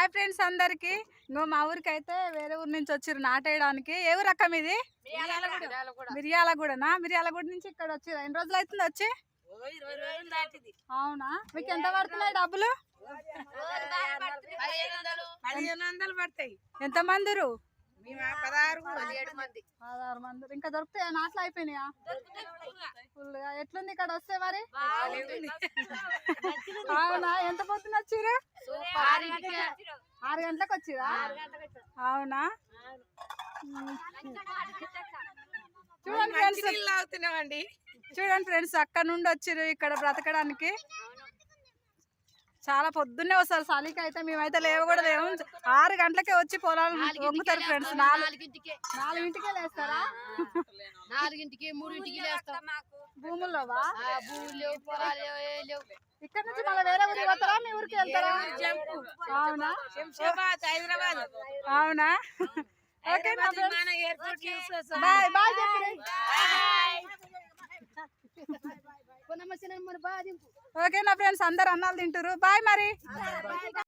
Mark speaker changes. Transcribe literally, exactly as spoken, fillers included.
Speaker 1: Hi friends అందరికి. ఇంకో మా ఊరికి అయితే వేరే ఊరు నుంచి వచ్చారు నాటేయడానికి. ఏ ఊరు అక్క మీది? మిర్యాలగూడనా? మిర్యాలగూడ నుంచి ఇక్కడ వచ్చారు. ఎన్ని రోజులు అవుతుంది వచ్చి? అవునా? మీకు ఎంత పడుతున్నాయి డబ్బులు? ఎంత మందిరు? పదహారు మంది. ఇంకా దొరుకుతాయా? నాట్లు అయిపోయినాయా? ఫుల్గా. ఎట్లుంది ఇక్కడ వస్తే మరి? అవునా? ఎంత పొద్దున వచ్చిర్రు? ఆరు గంటలకు వచ్చిరా? అవునా? చూడండి ఫ్రెండ్స్, చూడండి ఫ్రెండ్స్, అక్కడ నుండి వచ్చిర్రు ఇక్కడ బ్రతకడానికి. చాలా పొద్దున్నే వస్తారు. చలికి అయితే మేమైతే లేవు కూడా లేవు. ఆరు గంటలకే వచ్చి పొలాలు వంగుతారు ఫ్రెండ్స్. నాలుగింటికే నాలుగింటికే లేస్తారా?
Speaker 2: నాలుగింటికి మూడింటికి లేస్తాం.
Speaker 1: భూముల్లోవా? ఇక్కడ నుంచి మళ్ళీ వేరే ఊరికి పోతారా? మీ ఊరికి వెళ్తారా? అవునా?
Speaker 2: హైదరాబాద్.
Speaker 1: అవునా? ఓకే బాయ్ బాయ్ చెప్పండి. ఓకే నా ఫ్రెండ్స్, అందరు అన్నాలు తింటారు. బాయ్ మరి.